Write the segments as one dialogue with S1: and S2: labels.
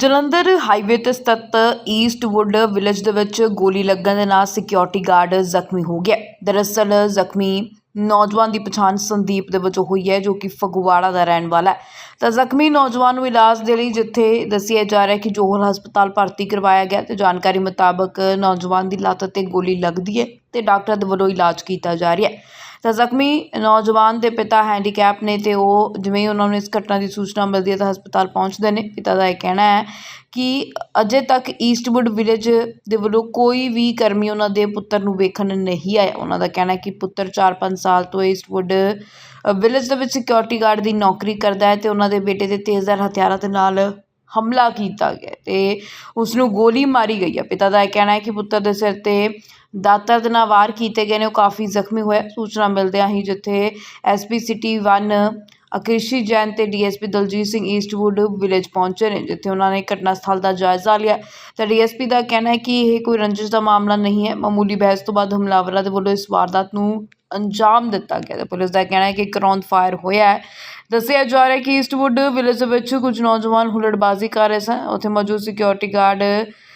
S1: Jalandhar highway ਤੇ ਸਥਿਤ Eastwood village ਦੇ ਵਿੱਚ ਗੋਲੀ ਲੱਗਣ ਦੇ ਨਾਲ ਸਿਕਿਉਰਿਟੀ ਗਾਰਡ ਜ਼ਖਮੀ ਹੋ ਗਿਆ। ਦਰਅਸਲ ਜ਼ਖਮੀ ਨੌਜਵਾਨ ਦੀ ਪਛਾਣ ਸੰਦੀਪ ਦੇ ਵਜੋਂ ਹੋਈ ਹੈ, ਜੋ ਕਿ ਫਗਵਾੜਾ ਦਾ ਰਹਿਣ ਵਾਲਾ ਹੈ। ਤਾਂ ਜ਼ਖਮੀ ਨੌਜਵਾਨ ਨੂੰ ਇਲਾਜ ਦੇ ਲਈ ਜਿੱਥੇ ਦੱਸਿਆ ਜਾ ਰਿਹਾ ਹੈ ਕਿ ਜੋਹਲ ਹਸਪਤਾਲ ਭਰਤੀ ਕਰਵਾਇਆ ਗਿਆ ਤੇ ਜਾਣਕਾਰੀ ਮੁਤਾਬਕ ਨੌਜਵਾਨ ਦੀ ਲੱਤ ਤੇ ਗੋਲੀ ਲੱਗਦੀ ਹੈ ਤੇ ਡਾਕਟਰ ਦੇ ਵੱਲੋਂ ਇਲਾਜ ਕੀਤਾ ਜਾ ਰਿਹਾ ਹੈ। ਤਾਂ ਜ਼ਖਮੀ ਨੌਜਵਾਨ ਦੇ ਪਿਤਾ ਹੈਂਡੀਕੈਪ ਨੇ ਤੇ ਉਹ ਜਿਵੇਂ ਹੀ ਉਹਨਾਂ ਨੂੰ ਇਸ ਘਟਨਾ ਦੀ ਸੂਚਨਾ ਮਿਲਦੀ ਹੈ ਤਾਂ ਹਸਪਤਾਲ ਪਹੁੰਚਦੇ ਨੇ। ਪਿਤਾ ਦਾ ਇਹ ਕਹਿਣਾ ਹੈ ਕਿ ਅਜੇ ਤੱਕ ਈਸਟਵੁੱਡ ਵਿਲੇਜ ਦੇ ਵੱਲੋਂ ਕੋਈ ਵੀ ਕਰਮੀ ਉਹਨਾਂ ਦੇ ਪੁੱਤਰ ਨੂੰ ਵੇਖਣ ਨਹੀਂ ਆਇਆ। ਉਹਨਾਂ ਦਾ ਕਹਿਣਾ ਹੈ ਕਿ ਪੁੱਤਰ 4-5 ਸਾਲ ਤੋਂ ਈਸਟਵੁੱਡ ਵਿਲੇਜ ਦੇ ਵਿੱਚ ਸਿਕਿਉਰਿਟੀ ਗਾਰਡ ਦੀ ਨੌਕਰੀ ਕਰਦਾ ਹੈ ਤੇ ਉਹਨਾਂ ਦੇ ਬੇਟੇ ਦੇ ਤੇਜ਼ਧਾਰ ਹਥਿਆਰਾਂ ਦੇ ਨਾਲ ਹਮਲਾ ਕੀਤਾ ਗਿਆ ਤੇ ਉਸ ਨੂੰ ਗੋਲੀ ਮਾਰੀ ਗਈ ਹੈ। ਪਿਤਾ ਦਾ ਇਹ ਕਹਿਣਾ ਹੈ ਕਿ ਪੁੱਤਰ ਦੇ ਸਿਰ ਤੇ ਦਾਤਰ ਦੇ ਨਾਲ ਵਾਰ ਕੀਤੇ ਗਏ ਨੇ, ਉਹ ਕਾਫੀ ਜ਼ਖਮੀ ਹੋਇਆ। ਸੂਚਨਾ ਮਿਲਦਿਆਂ ਹੀ ਜਿੱਥੇ ਐਸਪੀ ਸਿਟੀ 1 ਅਕ੍ਰਿਸ਼ੀ ਜੈਨ ਤੇ DSP Daljit Singh Eastwood village ਪਹੁੰਚੇ ਨੇ, ਜਿੱਥੇ ਉਹਨਾਂ ਨੇ ਘਟਨਾ ਸਥਲ ਦਾ ਜਾਇਜ਼ਾ ਲਿਆ। ਤਾਂ ਡੀਐਸਪੀ ਦਾ ਕਹਿਣਾ ਹੈ ਕਿ ਇਹ ਕੋਈ ਰੰਜਿਸ਼ ਦਾ ਮਾਮਲਾ ਨਹੀਂ ਹੈ। ਮਾਮੂਲੀ ਬਹਿਸ ਤੋਂ ਬਾਅਦ ਹਮਲਾਵਰਾਂ ਦੇ ਵੱਲੋਂ ਇਸ ਵਾਰਦਾਤ ਨੂੰ ਅੰਜਾਮ ਦਿੱਤਾ ਗਿਆ ਤੇ ਪੁਲਿਸ ਦਾ ਕਹਿਣਾ ਹੈ ਕਿ ਇੱਕ ਰੌਂਦ ਫਾਇਰ ਹੋਇਆ ਹੈ। ਦੱਸਿਆ ਜਾ ਰਿਹਾ ਹੈ ਕਿ ਈਸਟਵੁੱਡ ਵਿਲੇਜ ਦੇ ਵਿੱਚ ਕੁਝ ਨੌਜਵਾਨ ਹੁੱਲੜਬਾਜ਼ੀ ਕਰ ਰਹੇ ਸਨ। ਉੱਥੇ ਮੌਜੂਦ ਸਿਕਿਉਰਿਟੀ ਗਾਰਡ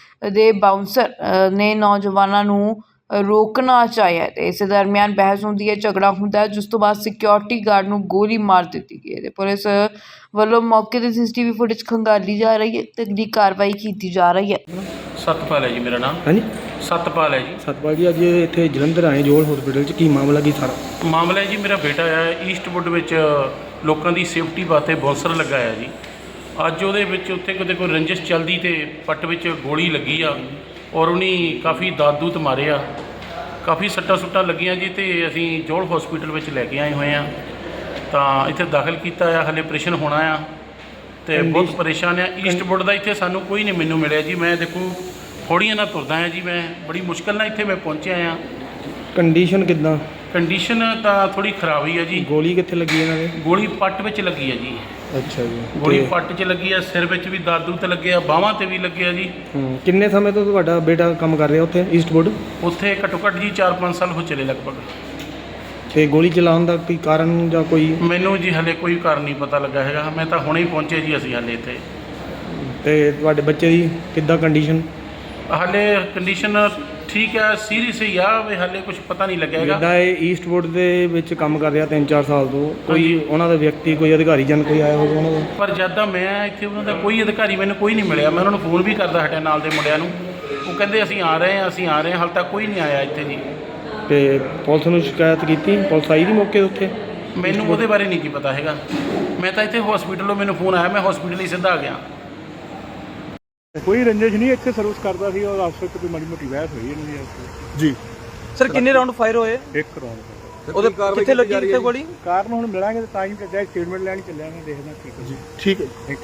S1: ਦੇ ਬਾਊਂਸਰ ਨੇ ਨੌਜਵਾਨਾਂ ਨੂੰ ਰੋਕਣਾ ਚਾਹਿਆ ਤੇ ਇਸ ਦਰਮਿਆਨ ਬਹਿਸ ਹੁੰਦੀ ਹੈ, ਝਗੜਾ ਹੁੰਦਾ ਹੈ, ਜਿਸ ਤੋਂ ਬਾਅਦ ਸਿਕਿਉਰਿਟੀ ਗਾਰਡ ਨੂੰ ਗੋਲੀ ਮਾਰ ਦਿੱਤੀ ਗਈ ਹੈ ਤੇ ਪੁਲਿਸ ਵੱਲੋਂ ਮੌਕੇ ਤੇ ਸੀਸੀਟੀਵੀ ਫੁਟੇਜ ਖੰਗਾਲੀ ਜਾ ਰਹੀ ਹੈ ਤੇ ਅਗਲੀ ਕਾਰਵਾਈ ਕੀਤੀ ਜਾ ਰਹੀ ਹੈ।
S2: ਸਤਪਾਲ ਹੈ ਜੀ ਮੇਰਾ ਨਾਮ।
S3: ਹਾਂਜੀ
S2: ਸਤਪਾਲ ਹੈ ਜੀ।
S3: ਸਤਪਾਲ ਜੀ, ਅੱਜ ਇੱਥੇ ਜਲੰਧਰ ਆਏ ਜੋਲ ਹਸਪੀਟਲ 'ਚ, ਕੀ ਮਾਮਲਾ ਕੀ ਸਾਰਾ?
S2: ਮਾਮਲਾ ਹੈ ਜੀ, ਮੇਰਾ ਬੇਟਾ ਹੈ ਈਸਟਵੁੱਡ ਵਿੱਚ ਲੋਕਾਂ ਦੀ ਸੇਫਟੀ ਵਾਸਤੇ ਬੌਂਸਰ ਲਗਾਇਆ ਜੀ। ਅੱਜ ਉਹਦੇ ਵਿੱਚ ਉੱਥੇ ਕਿਤੇ ਕੋਈ ਰੰਜਿਸ਼ ਚੱਲਦੀ ਤੇ ਪੱਟ ਵਿੱਚ ਗੋਲੀ ਲੱਗੀ ਆ ਔਰ ਉਹਨੇ ਕਾਫੀ ਦਾਦੂਤ ਮਾਰੇ ਆ, ਕਾਫੀ ਸੱਟਾਂ ਸੁੱਟਾਂ ਲੱਗੀਆਂ ਜੀ ਤੇ ਅਸੀਂ ਜੋਲ ਹਸਪੀਟਲ ਵਿੱਚ ਲੈ ਕੇ ਆਏ ਹੋਏ ਆ। ਤਾਂ ਇੱਥੇ ਦਾਖਲ ਕੀਤਾ ਆ, ਹਲੇ ਆਪਰੇਸ਼ਨ ਹੋਣਾ ਆ ਤੇ ਬਹੁਤ ਪਰੇਸ਼ਾਨ ਆ। ਈਸਟਵੁੱਡ ਦਾ ਇੱਥੇ ਸਾਨੂੰ ਕੋਈ ਨਹੀਂ ਮੈਨੂੰ ਮਿਲਿਆ ਜੀ। ਮੈਂ ਦੇਖੋ ਥੋੜ੍ਹੀਆਂ ਨਾਲ ਤੁਰਦਾ ਆ ਜੀ, ਮੈਂ ਬੜੀ ਮੁਸ਼ਕਿਲ ਨਾਲ ਇੱਥੇ ਮੈਂ ਪਹੁੰਚਿਆ ਆ।
S3: ਕੰਡੀਸ਼ਨ ਕਿੱਦਾਂ?
S2: ਕੰਡੀਸ਼ਨ ਤਾਂ ਥੋੜ੍ਹੀ ਖਰਾਬ ਹੀ ਆ ਜੀ।
S3: ਗੋਲੀ ਕਿੱਥੇ ਲੱਗੀ ਇਹਨਾਂ ਦੇ?
S2: ਗੋਲੀ ਪੱਟ ਵਿੱਚ ਲੱਗੀ ਆ ਜੀ।
S3: ਅੱਛਾ ਜੀ।
S2: ਗੋਲੀ ਪੱਟ 'ਚ ਲੱਗੀ ਆ, ਸਿਰ ਵਿੱਚ ਵੀ ਦਾਦੂ ਤੇ ਲੱਗੇ ਆ, ਬਾਹਾਂ 'ਤੇ ਵੀ ਲੱਗੇ ਆ ਜੀ।
S3: ਕਿੰਨੇ ਸਮੇਂ ਤੋਂ ਤੁਹਾਡਾ ਬੇਟਾ ਕੰਮ ਕਰ ਰਿਹਾ ਉੱਥੇ ਈਸਟਵੁੱਡ?
S2: ਉੱਥੇ ਘੱਟੋ ਘੱਟ ਜੀ 4-5 ਸਾਲ ਹੋ ਚਲੇ ਲਗਭਗ।
S3: ਤੇ ਗੋਲੀ ਚਲਾਉਣ ਦਾ ਕੋਈ ਕਾਰਨ ਜਾਂ ਕੋਈ?
S2: ਮੈਨੂੰ ਜੀ ਹਲੇ ਕੋਈ ਕਾਰਨ ਨਹੀਂ ਪਤਾ ਲੱਗਾ ਹੈਗਾ। ਮੈਂ ਤਾਂ ਹੁਣੇ ਹੀ ਪਹੁੰਚੇ ਜੀ ਅਸੀਂ ਹਲੇ ਇੱਥੇ।
S3: ਤੇ ਤੁਹਾਡੇ ਬੱਚੇ ਦੀ ਕਿੱਦਾਂ ਕੰਡੀਸ਼ਨ?
S2: ਹਲੇ ਕੰਡੀਸ਼ਨ ਠੀਕ ਹੈ, ਸੀਰੀਅਸ ਹੀ ਆ ਵੀ ਹਲੇ ਕੁਝ ਪਤਾ ਨਹੀਂ ਲੱਗਿਆ ਹੈਗਾ।
S3: ਜਿੱਦਾਂ ਇਹ ਈਸਟਵੁੱਡ ਦੇ ਵਿੱਚ ਕੰਮ ਕਰ ਰਿਹਾ 3-4 ਸਾਲ ਤੋਂ, ਕੋਈ ਉਹਨਾਂ ਦਾ ਵਿਅਕਤੀ, ਕੋਈ ਅਧਿਕਾਰੀ ਜਨ ਕੋਈ ਆਇਆ ਹੋਵੇ ਉਹਨਾਂ ਦਾ?
S2: ਪਰ ਜਦ ਦਾ ਮੈਂ ਇੱਥੇ ਉਹਨਾਂ ਦਾ ਕੋਈ ਅਧਿਕਾਰੀ ਮੈਨੂੰ ਕੋਈ ਨਹੀਂ ਮਿਲਿਆ। ਮੈਂ ਉਹਨਾਂ ਨੂੰ ਫੋਨ ਵੀ ਕਰਦਾ ਹਟਿਆ ਨਾਲ ਦੇ ਮੁੰਡਿਆਂ ਨੂੰ, ਉਹ ਕਹਿੰਦੇ ਅਸੀਂ ਆ ਰਹੇ ਹਾਂ, ਅਸੀਂ ਆ ਰਹੇ ਹਾਂ। ਹਾਲੇ ਤੱਕ ਕੋਈ ਨਹੀਂ ਆਇਆ ਇੱਥੇ ਜੀ।
S3: ਤੇ ਪੁਲਿਸ ਨੂੰ ਸ਼ਿਕਾਇਤ ਕੀਤੀ? ਪੁਲਿਸ ਆਈ ਦੀ ਮੌਕੇ ਉੱਤੇ?
S2: ਮੈਨੂੰ ਉਹਦੇ ਬਾਰੇ ਨਹੀਂ ਕੀ ਪਤਾ ਹੈਗਾ। ਮੈਂ ਤਾਂ ਇੱਥੇ ਹਸਪੀਟਲੋਂ ਮੈਨੂੰ ਫੋਨ ਆਇਆ, ਮੈਂ ਹਸਪੀਟਲ ਹੀ ਸਿੱਧਾ ਆ ਗਿਆ।
S4: ਕੋਈ ਰੰਜਿਸ਼ ਨਹੀਂ, ਇੱਥੇ ਸਰਵਿਸ ਕਰਦਾ ਸੀ ਔਰ ਆਪਸ ਵਿੱਚ ਕੋਈ ਮਾੜੀ ਮੋਟੀ ਬਹਿਸ ਹੋਈ ਇਹਨਾਂ ਦੀ ਜੀ।
S5: ਸਰ ਕਿੰਨੇ ਰਾਉਂਡ ਫਾਇਰ ਹੋਏ?
S4: ਇੱਕ ਰੌਂਡ।
S5: ਉਹਦੇ ਕਿੱਥੇ ਲੱਗੀ ਕਿੱਥੇ ਗੋਲੀ?
S4: ਕਾਰਨ ਹੁਣ ਮਿਲਾਂਗੇ ਤਾਂ ਹੀ ਚੱਲਿਆ, ਸਟੇਟਮੈਂਟ ਲੈਣ ਚੱਲਿਆ, ਮੈਂ ਦੇਖਦਾ। ਠੀਕ ਹੈ ਜੀ, ਠੀਕ ਹੈ।